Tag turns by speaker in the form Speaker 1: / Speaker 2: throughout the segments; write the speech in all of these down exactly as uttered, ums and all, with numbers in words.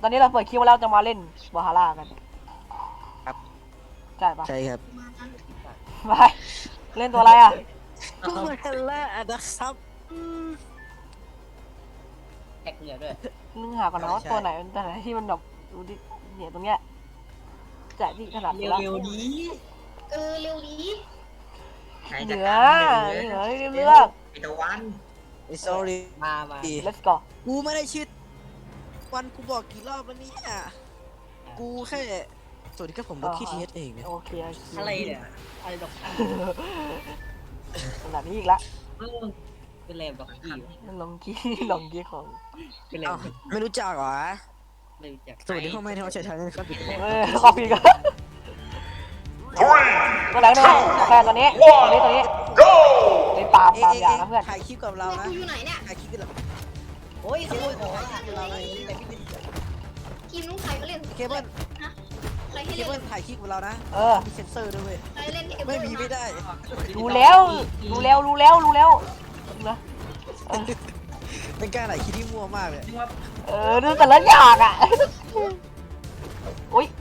Speaker 1: ตอนนี้เราเปิดคลิปมาแล้วจะมาเล่นบาฮาร่ากัน
Speaker 2: ครับ
Speaker 1: ใช่ปะ
Speaker 2: ใช่ครับ
Speaker 1: ไปเล่นตัวอะไรอ่ะ
Speaker 2: ก็เหมือนแรกนะครับ
Speaker 3: แท็กเหนือด้วย
Speaker 1: นึกหาก่อนนะว่าตัวไหนตัวไหนที่มันแบบดูดิเนี่ยตรงเนี้ยแจกที่ขนาดนี้แล้ว
Speaker 3: เร็วๆดี
Speaker 4: เออเร็วดี
Speaker 1: เหนือเหนือเลือก
Speaker 3: ไอตะวัน
Speaker 2: ไอ้ sorry
Speaker 3: มามา
Speaker 1: let's go
Speaker 2: กูไม่ได้ชื่อวันกูบอกกี่รอบแล้วเนี่ยกูแค่สวัสดีครับผมลูกขี้ทีเอสเองเนี่ย
Speaker 1: โอเค
Speaker 3: อะไรเนี่ยอะไรดอก
Speaker 1: ขนาดนี้อีกละ
Speaker 3: เออเป็นแรมดอกกี้
Speaker 1: ลองกี้ลองกี้ของ
Speaker 3: เป็นแร
Speaker 2: เอ้าม ไม่รู้จักเหรอ
Speaker 3: ไม่รู้จัก
Speaker 2: สวัสดีพ่อแม่ที่เขาใช้ทางนี้ครับ
Speaker 1: เออคอปีกันตัวไหนเนี่ยแค่ตัวนี้ตัวนี้ตัวนี้ในปาล์ม
Speaker 2: เอ๊
Speaker 1: ปาล์มอย่างนะเพื่อน
Speaker 2: ถ่ายคลิปกับเรานะ
Speaker 4: กูอยู่ไหนเนี่ย
Speaker 2: ถ่ายคลิปกับเรา
Speaker 3: โอ้ยขโมยของอ่ะเราเลยแต่พี่
Speaker 4: ทีมนู้นใครก็เล่น
Speaker 2: เคเบิล
Speaker 4: ฮะใครให้
Speaker 2: เค
Speaker 4: เล่น
Speaker 2: เบิลถ่ายคลิปกับเรานะ
Speaker 1: เออ
Speaker 2: มีเซนเซอร์ด้วยเว้ย
Speaker 4: ใครเล่น
Speaker 2: ไม่มีไม่ได้
Speaker 1: รู้แล้วรู้แล้วรู้แล้วรู้แล้วนะเออ
Speaker 2: เป็นการถ่ายคลิปที่มั่วมากเลย
Speaker 1: เออดูแต่ละอย่างอ่ะอุ้ย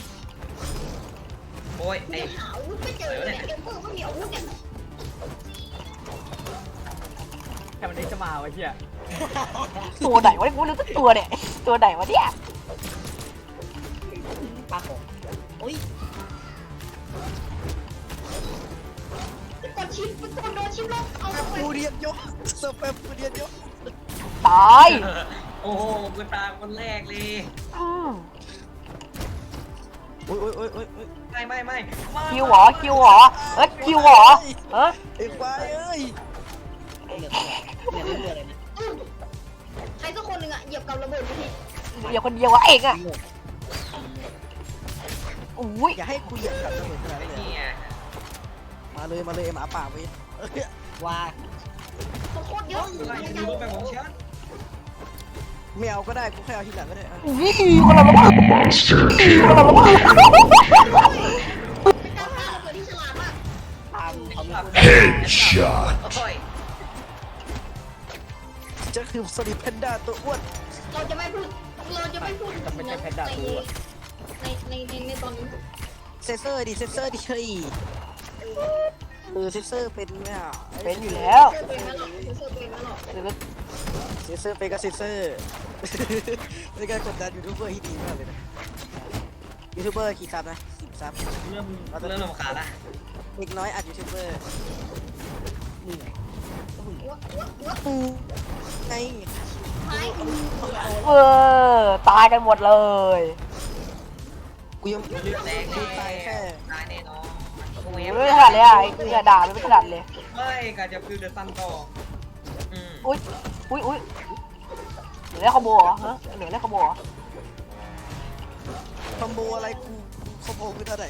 Speaker 3: โอ้ย
Speaker 4: ไอ้
Speaker 3: ไอ้
Speaker 4: ขาวไม่เจอเนี่ยเอ็มเบอร์ไม่มีอาวุธเนี่ย
Speaker 5: แค่วันนี้จะมาวะเฮีย
Speaker 1: ตัวไหนวะกูรู้ตัวตัวเนี่ยตัวไหนวะเนี่ย
Speaker 3: ปลาของโอ้ย
Speaker 4: กดชิปกดโดนชิปลบเอาไป
Speaker 2: ปูเรียนยกสเปมปูเรียนยก
Speaker 1: ตาย
Speaker 3: โอ้โหกูตาคนแรกเลย
Speaker 1: อืม
Speaker 2: โอ้ยโอ้ยโอ้ยโอ้ยโอ้ย
Speaker 3: ไม่ไม่ไม่
Speaker 1: คิวเหรอคิวเหรอเอ้ยคิวเหรอเฮ้ย
Speaker 2: ไอ้ควายเอ้ย
Speaker 3: เหลือเหลือเหลือเหลืออะไรนะ
Speaker 4: ใครสักคนหนึ่งอ่ะเหยียบกับระเบิดไปที
Speaker 1: เดี๋ยวคนเดียววะเองอ่ะอุ้ย
Speaker 2: อย่าให้กูเหยียบกับระเบิดขนาด
Speaker 3: ไอ้
Speaker 2: นั้นเลย
Speaker 3: นี่ไง
Speaker 2: มาเลยมาเลยไอ้หมาป่าเว้ย
Speaker 3: ว่า
Speaker 4: โคตรเยอะ
Speaker 3: ไล่ดูรูปไปของฉัน
Speaker 2: ไม่เอาก็ได้กูแค่เอาทีหลังก็ได้อะ
Speaker 1: อุ้ยคนละระเบิดคนละระเบิด
Speaker 4: เป็นการฆ่าระเบิดที่ฉลาดมาก
Speaker 3: ตามเขาไม่พูด
Speaker 6: Headshot.
Speaker 3: โอ้ย
Speaker 2: จะคือสลิปแพนด้าตัวอ้วน
Speaker 4: เราจะไม่พูดเราจะไม่พูดในในในในในตอนนี้
Speaker 2: เซนเซอร์ดิเซนเซอร์ดิเฮ้ยเออเซนเซอร์เป็นเนี่ย
Speaker 1: เป็นอยู่แล้ว
Speaker 4: เสื้อเป็นไหมหรอกเสื้อเป็นไหมหรอก
Speaker 1: เดี๋ยว
Speaker 2: เซนเซอร์เป็นกับเซนเซอร์เป็นการกดดันยูทูบเบอร์ที่ดีมากเลยนะยูทูบเบอร์กี่ซับนะสิบซับ
Speaker 3: เริ่มเริ่มรำคาญละ
Speaker 2: เด็กน้อยอัดยูทูบเบอร์
Speaker 3: นี่ไง
Speaker 4: วะวะวะ
Speaker 2: ปูไง
Speaker 4: ท้าย
Speaker 1: เออตายกันหมดเลย
Speaker 2: กูยัง
Speaker 3: เลือดแดง
Speaker 2: กูตายแค่
Speaker 3: ตายแน่นอนโอ้ย
Speaker 1: ไม่ขนาดเลยอ่ะไอ้เนี่ยด่าไม่ขนาดเลย
Speaker 3: ไม่การจะฟิวเดอร์ซันต่ออืม
Speaker 1: อุ้ยอุ้ยอุ้ยเหนือได้คอมโบเหรอฮะเหนือได้คอมโบเหรอ
Speaker 2: คอมโบอะไรกูคอมโบคือเท่าไหร่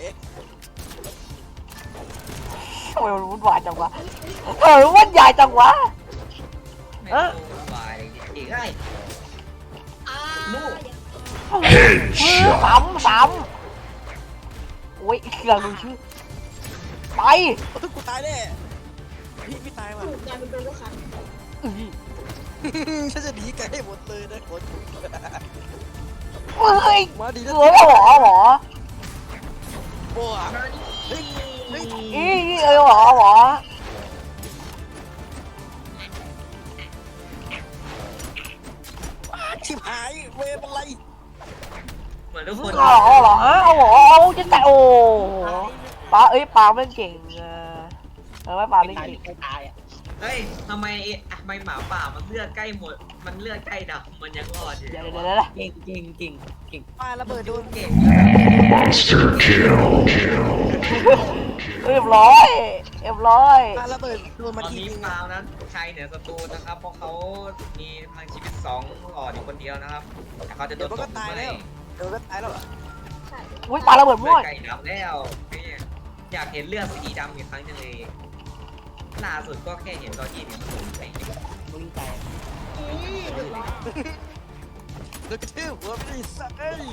Speaker 1: ทำไมมันวุ่นวายจังวะเออวุ่นวายจังวะ
Speaker 3: ไม่รู้วายอีกไง
Speaker 4: อ่า
Speaker 1: ซ้ำซ้ำโอ้ยเราดูชื่อไป
Speaker 2: กูตายแน่พี่พี่ตายว่ะ
Speaker 4: ถูกการเป็นตัวขัน
Speaker 1: อื้อ
Speaker 2: ฉันจะหนีไกลให้หมดเลยนะคน
Speaker 1: เฮ้ย
Speaker 2: มาดี
Speaker 1: เห
Speaker 2: นะ
Speaker 1: นือหรอหรอ
Speaker 2: โอ้เฮ้ยเฮ้ย
Speaker 1: อีเออหรอหรอ
Speaker 2: ชิบหายเวฟอะไร
Speaker 3: เหมือนทุกคน
Speaker 1: หรอหรอฮะเอาหรอเอาจะแต่โอ้ป้าเอ้ยป้ามันเก่งเออเออไม่ป้าไม่
Speaker 3: ตาย
Speaker 1: เก่ง
Speaker 3: ไม่ตายอ่ะเฮ้ยทำไมทำไมหมาป่ามันเลือดใกล้หมดมันเลือดใกล้ดำมันยังรอดอยู่
Speaker 1: เดี๋ยวเดี๋ยวเดี๋ยว
Speaker 3: เก่งเก่งเก่งเก่ง
Speaker 2: ปาระเบิดโดน
Speaker 3: เก่ง
Speaker 6: Monster kill.
Speaker 1: เรียบร้อยเรียบร้อย
Speaker 2: ปาระเบิดโดน
Speaker 3: ต
Speaker 2: มา
Speaker 3: อน
Speaker 2: ที
Speaker 3: นี้
Speaker 2: นึง
Speaker 3: ฟาวนั้นชัยเหนือศัตรูนะครับเพราะเขามีพลังชีวิตสองหลอดอยู่คนเดียวนะครับแต่เขาจะโด
Speaker 2: เดี๋ยวน มัน
Speaker 3: ต
Speaker 2: ก็
Speaker 3: บ
Speaker 2: ตายแล้วเดี๋ยวก็ตายแล้ว
Speaker 1: อุ้ยปลาระเบิด
Speaker 3: เลื
Speaker 1: มั่
Speaker 3: อ
Speaker 1: ว
Speaker 3: ดไก่ดำแล้วนี่อยากเห็นเลือดสีดำอีกครั้งจังเลยล่าสุดก็แค่เห็นตอนที่เนี่ยมันไปมึงแตก
Speaker 2: เดี๋ยวกระทืบหัวไม่ได้สักเอ้ย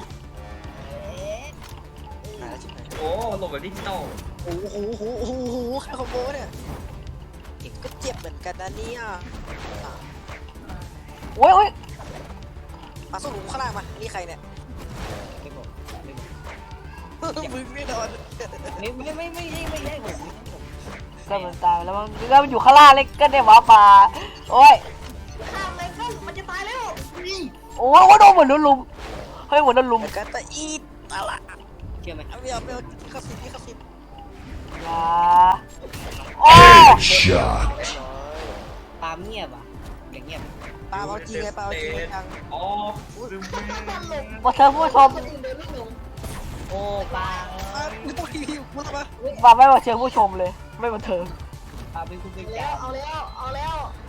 Speaker 2: ตายแล้วชิบหาย
Speaker 3: โอ้หลบแบบดิจิตอล
Speaker 2: โอ้โหโอ้โหโอ้โหโอ้โหแค่คอมโบเนี่ยเก่งก็เจ็บเหมือนกันนะเนี่ย
Speaker 1: โอ้ยโอ้ย
Speaker 2: มาสู้หลุมข้างล่างมานี่ใครเนี่ย
Speaker 5: ไม่บอกไม่บอก
Speaker 2: มึงไม่นอน
Speaker 5: ไม่ไม่ไม่ไม่ไม่ไม่ใช่ผม
Speaker 1: ก็มันตายแล้วมันก็มันอยู่ข้างล่างเลยก็ได้หมาป่าโอ้ย
Speaker 4: ข้ามเลยข้ามมันจะตายแล้ว
Speaker 1: โอ้ยโดนเหมือนโดนลุมเฮ้ยเหมือนโดนลุม
Speaker 2: กันตะอีดอะไร
Speaker 5: เชื่อไหม
Speaker 2: เอาไม่เอาไม่เอาที่เขาสิที่เขาสิ
Speaker 1: อย่าโอ้ย
Speaker 6: Shot.
Speaker 5: ปาล์มเงียบอ่ะอย่างเงียบ
Speaker 2: ปาเอาจริงไงปาเอาจริงไงยัง
Speaker 3: อ๋อซึม
Speaker 1: มาเธอผู้ชม
Speaker 4: คนอื่นเดินไม่ลง
Speaker 5: โอ้ปาล์ม
Speaker 2: ปาไม่ต้องรีบพูดมา
Speaker 1: มาไม่มาเชิญผู้ชมเลย ไม่มาเถิง
Speaker 5: ปาล์มเป็นคุณเป็น
Speaker 4: แล้
Speaker 5: จ่าว
Speaker 4: เอาแล้วเอาแล้ว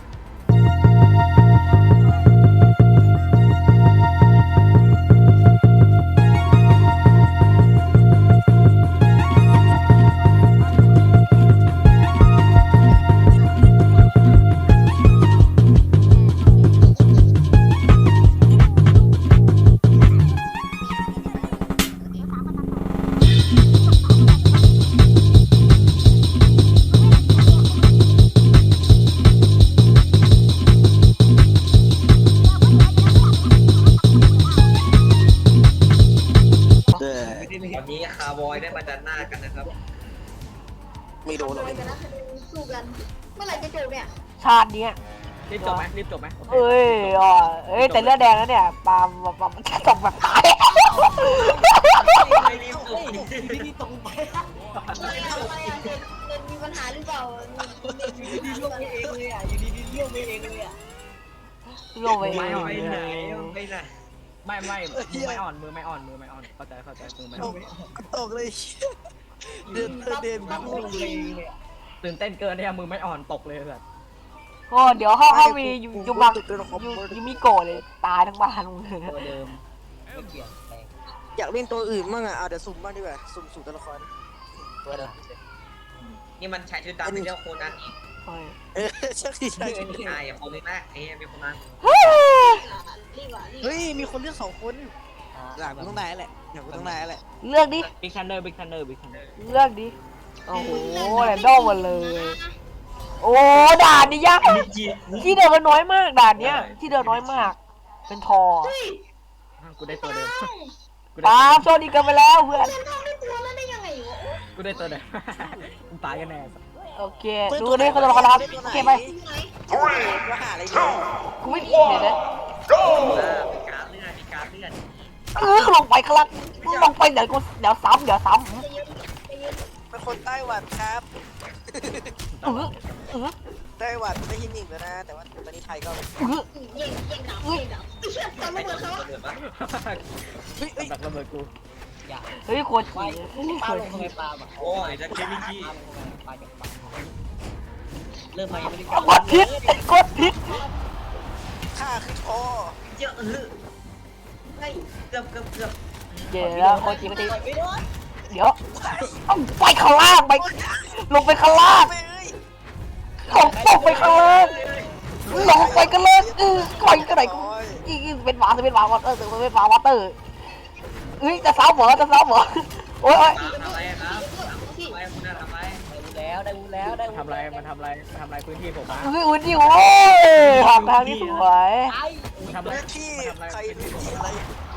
Speaker 2: เออ
Speaker 5: ไม่ได้เลย
Speaker 3: ตอนนี้คาร์บอยได้ประจันหน้ากันนะครับ
Speaker 2: ไม่โดนหรอก
Speaker 4: ทำอะไรกันนะสู้กัน เมื่อไหร่จะจบเนี่ย
Speaker 1: ชาติเนี้ย
Speaker 5: รีบจบไหมรีบจบไหม
Speaker 1: เอ้ยอ๋อเอ้ยแต่เลือดแดงแล้วเนี่ยปาล์มปาล์มตกแบบตาย
Speaker 3: ไม่รีบจบ
Speaker 5: พี่นี่ตรงไป
Speaker 4: อะไรอะไรอ่ะเด็กเด็กมีปัญหาหรือเปล่า
Speaker 5: อยู่ดีๆล่วงไปเองเลยอ่ะอยู่ดีๆเลี้ยวไปเองเลยอ่ะ
Speaker 1: โลไป
Speaker 3: ไม่
Speaker 1: เอง
Speaker 3: ไปไหนไปไหน
Speaker 5: ไม่ไม่มือไม่อ่อนมือไม่อ่อนมือไม่อ่อนเข้าใจเข้าใจมือไม่
Speaker 2: ต
Speaker 5: อ่อน
Speaker 2: กตกเลยเดินเดิน
Speaker 5: นั่งลงเลยตื่นเต้นเกินเนี่ยมือไม่อ่อนตกเลยแบบ
Speaker 1: โอ้เดี๋ยวเขาเขามียูยูบังยูยูมิโกะเลยตายทั้งบ้านมึงเลย
Speaker 5: ตัวเดิมไม่เปลี่ยนแปลง
Speaker 2: อยากเล่นตัวอื่นบ้างอ่ะเอาเดี๋ยวสุ่มบ้างดีกว่าสุ่มสู่ตัวละคร
Speaker 5: ตัวเดิม
Speaker 3: นี่มันชายชุดดำเป็นเจ้าโคนันอีก
Speaker 1: เฮ้ย
Speaker 2: เออใช่ใช่
Speaker 3: ใช่อย่าคนนึงนะไอ้มีคนนั้น
Speaker 4: รีบอ่ะรีบ
Speaker 2: เฮ้ยมีคนเลือกสองคนอยากกูต้องได้แหละอยากกูต้องได้แหละ
Speaker 1: เลือกดิ
Speaker 5: บิ๊กทันเดอร์บิ๊กทันเดอร์บิ๊กทันเดอร์
Speaker 1: เลือกดิโอ้โหแรนดอมหมดเลย โอ้ด่านนี่ยากที่เดินมันน้อยมากด่านเนี้ยที่เดินน้อยมาก เป็นทอ
Speaker 5: กูได้ตัวเดิม
Speaker 1: ปาล์มโชคดีกันไปแล้วเพื่อน
Speaker 4: เล่นทำได้ตัวแล้วได้ยังไงวะ
Speaker 5: กูได้ตัวเดิมมึงตายกันแน่
Speaker 1: โอเคดูนี่เขาจะรอครับโอเคไป
Speaker 4: ที่ไหน
Speaker 2: ว่าหาอะไรเนี่ย
Speaker 1: กูไม่เดี๋ยวนะ
Speaker 3: มีการเลื่อนมีการเลื่อน
Speaker 1: เออลงไปข้างล่างลงไปเดี๋ยวกูเดี๋ยวซ้ำเดี๋ยวซ้
Speaker 4: จะยืนจะยืน
Speaker 2: เป็นคนไต้หวันครับ
Speaker 1: ำเออเออ
Speaker 2: ไต้หวันไม่ยินหนึ่งแล้วนะ แต่ว่าตอนนี้ไทยก็
Speaker 1: เออ
Speaker 4: เย่งเย่งดับเย่งดับไอ้เชี่ยตาม
Speaker 3: ไม่
Speaker 4: มา
Speaker 3: ต้
Speaker 4: เบิ
Speaker 3: อง
Speaker 4: ดเขา
Speaker 3: เปิดปะ
Speaker 2: เฮ้ยเฮ้ย
Speaker 5: ดักระเบิดกูอย่า
Speaker 1: เฮ้ยโคตร
Speaker 5: ไม่
Speaker 1: จี
Speaker 5: ป
Speaker 1: โค
Speaker 5: ลา
Speaker 1: ต
Speaker 5: ล
Speaker 1: รง
Speaker 5: ทำไม
Speaker 1: จี
Speaker 5: ปลาอ่ะ
Speaker 3: โอ้ยจะเคมิจิ
Speaker 5: ปลาจากปลาเริ่มมายังไม่ได้
Speaker 1: กดพิษกดพิษ
Speaker 2: ค่าคือคอ
Speaker 3: เยอะเออเฮ้ยเกือบเกือบเกือบ
Speaker 1: เดี๋ยวโคตรจีโคตรจี
Speaker 5: ไม่โดน
Speaker 1: เดี๋ยวต้องไปข้างล่างไปลงไปข้างล่าง
Speaker 2: ไปเอ้ย
Speaker 1: ลงตกไปข้างล่างลงไปกันเลยเออคอยกันไหนกูอีกเป็นหมาเป็นหมาวอเตอร์เป็นหมาวอเตอร์เฮ้ยจะซ้ำเหรอจะซ้ำเหรอโอ้ย
Speaker 3: ทำอะไรครับทำอะไรคุณน่ะทำอะไร
Speaker 5: ได้แล้วได้แล้วได้ทำอะไรมันทำอะไรมันทำอะไรพื้นที่ผมอ่ะ
Speaker 1: เฮ้ยอุ่นดิโอ้ยทางทางนี้สวย
Speaker 5: ไอ้ทำอะไร
Speaker 2: หน้าที่ใครหน้าที่อะไร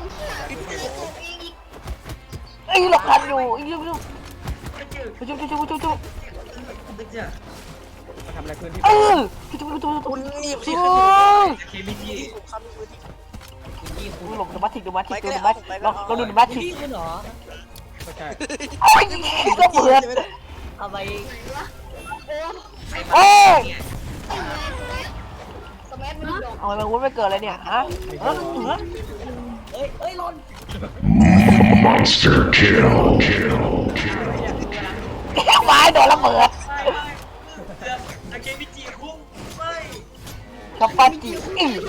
Speaker 1: ไอ้หลบทันอยู่ไอ้ยุ่งยุ่ง
Speaker 3: ไม่เจอ
Speaker 1: จุ๊บจุ๊บจุ๊บจุ๊บจุ๊บ
Speaker 3: ไม่เจอ
Speaker 5: มาทำอะไรพื้นที่
Speaker 1: เออจุ๊บจุ๊บจุ๊บจุ๊บ
Speaker 2: คุณนี่
Speaker 1: จุ๊
Speaker 2: คือบ
Speaker 3: จะเคมิจิ
Speaker 2: ผมคำมือที่
Speaker 5: พื้นที่คุณ
Speaker 1: หลบดูมาทิกดูมาทิกดูมาทิกเราเราดูดูมาทิก
Speaker 5: ที่คุณเหรอไม่ใช่
Speaker 1: โอ้ยก็เปิด
Speaker 5: ทำไม
Speaker 4: โอ้
Speaker 3: ใครมาเนี่ย
Speaker 4: สมัยมันดอก
Speaker 1: เอาไปวุ้นไปเกิดเลยเนี่ยฮะเออเออ
Speaker 5: เอ้ยเอ้ยหล่น
Speaker 6: Monster kill. Kill.
Speaker 1: ไม้โดนระเบิด
Speaker 3: ไม่ไม่เกือบจะเคมิจิคุ้มไม่
Speaker 1: กับปาจิอื้อ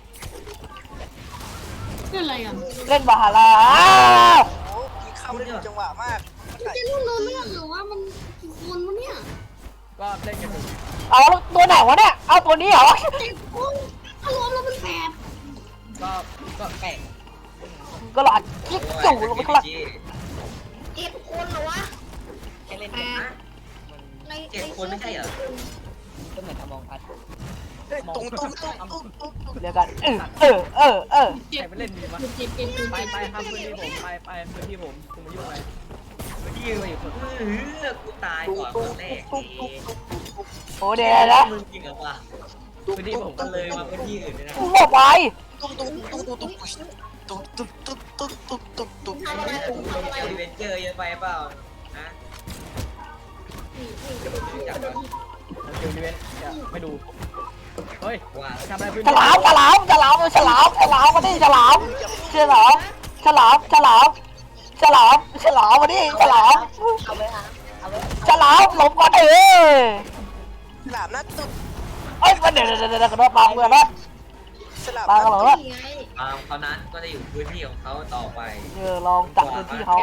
Speaker 4: นี่อะไรอ่ะ
Speaker 1: เล่นบาฮาร่า
Speaker 2: โอ้พี่เข้าได้ถูกจังหวะมาก
Speaker 4: จะรู้เรื่องหรือว่ามันคนวะเนี่ย
Speaker 5: ก็เล่นกันอยู่
Speaker 1: เอาตัวไหนวะเนี่ยเอาตัวนี้เหรอ
Speaker 4: เจ็ดคนอารมณ์เราเป็นแปด
Speaker 5: ก็ก็แปลก
Speaker 1: ก็หลอดกิ๊กจู่ลงไปข้างล่าง
Speaker 4: เจ็ดคนเหรอวะ
Speaker 5: แค่เล่น
Speaker 4: แป
Speaker 5: กัน
Speaker 4: ด
Speaker 5: มัน
Speaker 4: ใน
Speaker 3: เจ็ดคนไม่ใช่เหรอ
Speaker 5: ก็เหมือนอมองพัด
Speaker 2: ตุ้งตุ้งตุ้งตุ้งตุ้งตุ้ง
Speaker 1: เดี๋ยวกันเออเออเออ
Speaker 4: เจ็
Speaker 5: ใคร
Speaker 4: บ
Speaker 5: ไปเล่นดีวะ
Speaker 4: เจ็บเจ็บเจ็บ
Speaker 5: ไปไปครับพื้นที่ผมไปไปพื้นที่ผมคุณมายุ่งอะไรพื้นที่มาอยู่คน
Speaker 3: เออกูตายก่อนคนแรก
Speaker 2: ตุ้ง
Speaker 3: เอ
Speaker 2: ตุ้ง
Speaker 3: ง
Speaker 2: ตุ้งตุ้ง
Speaker 1: โอ้เดี๋ยวนะ
Speaker 3: มึงจริงเหรอวะ
Speaker 5: พื้นที่ผม
Speaker 3: ก็
Speaker 5: ก็
Speaker 3: เล
Speaker 5: เลย ย
Speaker 3: มา
Speaker 5: มา
Speaker 3: พื้นที่อื่นเลยนะ
Speaker 1: กูบอกไป
Speaker 2: ตุ้งตุ้งตุ้งตุ้งตุ้งตุ้งตุ้งตุ้งตุ้งตุ้งตุ้งตุ้ง
Speaker 4: ทำอะไรผมทำอะไร
Speaker 3: เอเวนเจอร์เยอะไปเปล่าฮะ
Speaker 4: นี่นี่
Speaker 3: เดี๋ยวผมรู้จักก่อน
Speaker 5: เดี๋ยวอีเวนต์จะไม่ดูเฮ้ย
Speaker 3: ว่า
Speaker 5: ทำอะไรพื้น
Speaker 1: ฉ
Speaker 5: ที่
Speaker 1: ลามฉลามฉลามฉลามฉลามมาดิฉลามฉลามฉลามฉลามฉลามฉลามมาดิฉลาม
Speaker 2: เอาไว้ฮะเอาไว้
Speaker 1: ฉลามหลบก่อนเออ
Speaker 2: ฉลามนะตุ้ง
Speaker 1: เอ้ยเดี๋ยวเดี๋ยวเดี๋ยวกระโดดปากเพื่อนนะ
Speaker 2: ฉลาม
Speaker 1: ปาก
Speaker 2: นะ
Speaker 1: เหรอ
Speaker 4: นี่ไง
Speaker 3: ตามเขานั้นก็จะอยู่พื้นที่ของเขาต่อไป
Speaker 1: เออลองจับพื้นที่เขา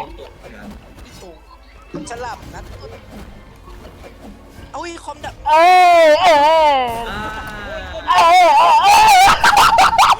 Speaker 2: ฉลามนะตุ้งเอาอีคอมดับ
Speaker 1: เอ้ยเอ้ย
Speaker 3: อ่า
Speaker 1: เอ้ยเอ้ยเอ้ย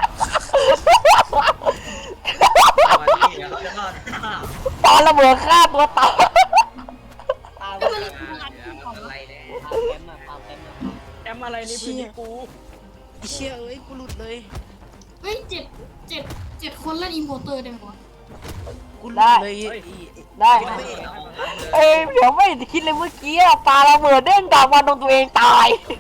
Speaker 3: วันนี้เดี๋ยวเขาจะรอดข้าว
Speaker 1: ตอนระเบิดฆ่าตัวตาย
Speaker 4: ก็มัน
Speaker 3: อะไรเนี่ย
Speaker 5: แอมอะไรนี่พื้นที่กู
Speaker 2: ไอ้เชี่ยเอ้ยกูหลุดเลย
Speaker 4: เฮ้ยเจ็ดเจ็ดเจ็ดคนเล่นอินโพเตอร์ได้ไหมวะ
Speaker 2: กูหลุดเลย
Speaker 1: ได้เอ้ยเดี๋ยวไม่คิดเลยเมื่อกี้อะปาระเบิดเด้งกลับมาโดนตัวเองตาย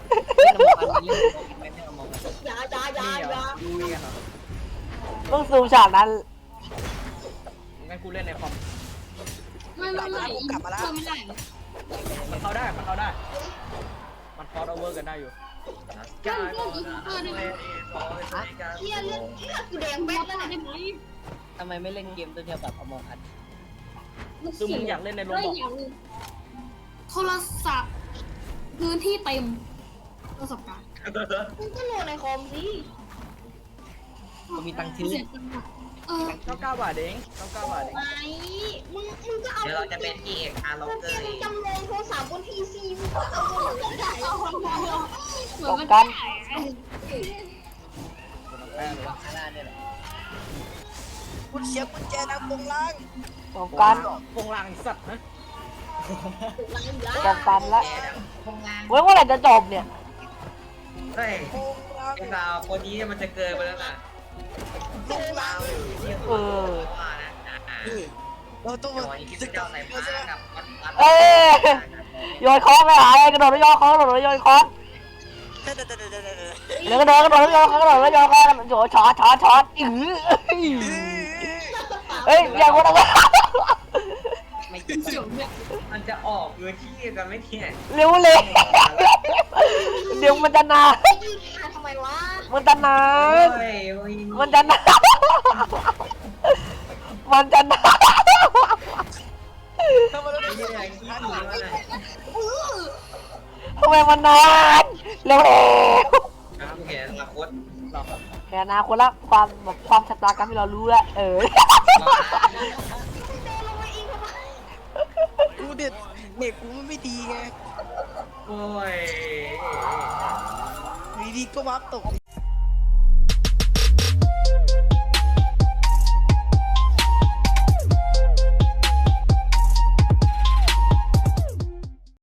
Speaker 4: อย่าอย่าอย่า
Speaker 5: นี่เหร
Speaker 4: อย่า
Speaker 5: อดูนี่กันเหรอ
Speaker 1: ต้องซูมฉากนั้น
Speaker 5: งั้นกูเล่นในคอม
Speaker 4: ไม่ไม่ไม่อินโพเตอร์ไม่ได้
Speaker 5: มันเข้าได้มันเข้าได้มันคอร์สโอเวอร์กันได้อยู่
Speaker 4: เล่นเล่นอินโพเตอร์ได้ไหมเฮียเล่นเฮียกูแดงแบ๊ดแล้วได้ไหม
Speaker 7: ทำไมไม่เล่นเกมตัวเดียวกับอมองอัด
Speaker 5: คือมึงอยากเล่นในโร
Speaker 4: ได้
Speaker 5: บอท
Speaker 4: อย่างหนึ่งโทรศัพท์พื้นที่เต็มประสบการณ์มึงก็โหลดในคอมสิ
Speaker 7: ก็มีตังค์ซื้อ
Speaker 4: เสียตังค์อะเออ
Speaker 5: เก้าเก้าบาทเองเก้าเก้าบาทเอง
Speaker 4: ไหมมึงมึงก็เอา
Speaker 3: เดี๋ยวเราจะเป็นพี่เอกอาร์ล็อก
Speaker 4: มึง
Speaker 3: เกอร์เอง
Speaker 4: จำลองโทรศัพท์บนพีซีมึงก็เอาเหมือนกันเหมือนมัน
Speaker 1: กัน
Speaker 5: แป้งเลย
Speaker 7: ข้างหน้าเนี่ยแหละ
Speaker 2: กูเสียกุญแจทางตรงล่าง
Speaker 1: ป้องกัน
Speaker 5: โปงลางสัตว์นะ
Speaker 1: ป้องกันละเว้ยเมื่อไหร่จะจบเนี่ย
Speaker 3: เฮ้ย
Speaker 2: ตรงล่าง
Speaker 3: ไอ้สาวคนนี้มันจะเกินไปแล้วนะ
Speaker 2: ตรงล่าง
Speaker 1: เออ
Speaker 3: ว่านะอ่า
Speaker 2: เราต้อง
Speaker 3: เดี๋
Speaker 2: มา
Speaker 3: ยววันนี้คิด
Speaker 2: จะ
Speaker 3: ว่า
Speaker 2: ก
Speaker 3: จะ
Speaker 2: ลับ
Speaker 3: ใส่
Speaker 2: มา
Speaker 3: ผ้า
Speaker 2: ใช่ไหม
Speaker 3: กับวัดวัด
Speaker 1: เอ้ยโยนคอนไปหาเลยกระโดดแล้วโยนคอนกระโดดแล้วโยนคอน
Speaker 2: เดี๋ยวเดี๋ยวเดี๋ยวเดี๋ยวเดี๋ยว
Speaker 1: แล้วกระโดดกระโดดแล้วโยนคอนกระโดดแล้วโยนคอนโยนช็อตช็อตช็อตอื้อเฮ้ยอย่างวะนะ
Speaker 7: ไม่จริง
Speaker 4: เดี๋ยวเนี่ย
Speaker 3: มันจะออกพื้นที่กันไม่เนี่ย
Speaker 1: เร็วเลยเดี๋ยวมันจะนาน
Speaker 4: ไอ้ยืนมาทำไมวะ
Speaker 1: มันจะนาน
Speaker 3: เฮ้ย
Speaker 1: มันจะนานมันจะนาน
Speaker 2: ทำไมเรา
Speaker 3: ไม่
Speaker 2: ไม่
Speaker 3: ใช่
Speaker 2: ได้
Speaker 3: ไอ้ขี้หนีวะเนี่ย
Speaker 1: ทำไมมันนานเร็วเร็ว
Speaker 3: น้ำแข็งอนาคต
Speaker 5: หรอครับ
Speaker 1: แค่นาคนละความแบบความชะตากรรมที่เรารู้แล้วเออ
Speaker 2: กูเด็ดเน็ตกูไม่ดีไง
Speaker 3: โอ้ย
Speaker 2: ดีดีก็วับตก